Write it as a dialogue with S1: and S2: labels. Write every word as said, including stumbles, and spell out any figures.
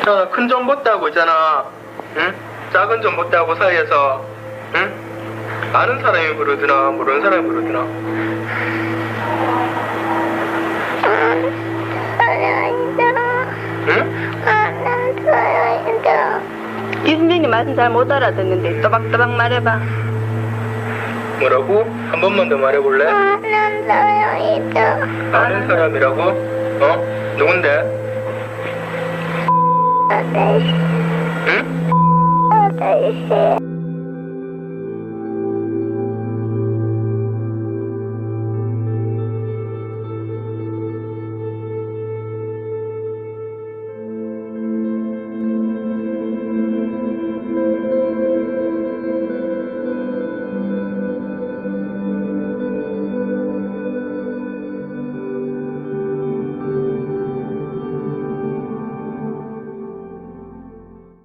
S1: 자, 큰 전봇대하고 있잖아. 응? 작은 전봇대하고 사이에서, 응? 아는 사람이 부르드나, 모르는 사람이 부르드나. 응?
S2: 아는 사람이다. 이 선생님 말씀 잘 못 알아듣는데 또박또박 말해봐.
S1: 뭐라고? 한 번만 더 말해볼래?
S2: 아는 사람이다.
S1: 아는 사람이라고? 어? 누군데?
S2: 아저씨.
S1: 응?
S2: 아저씨.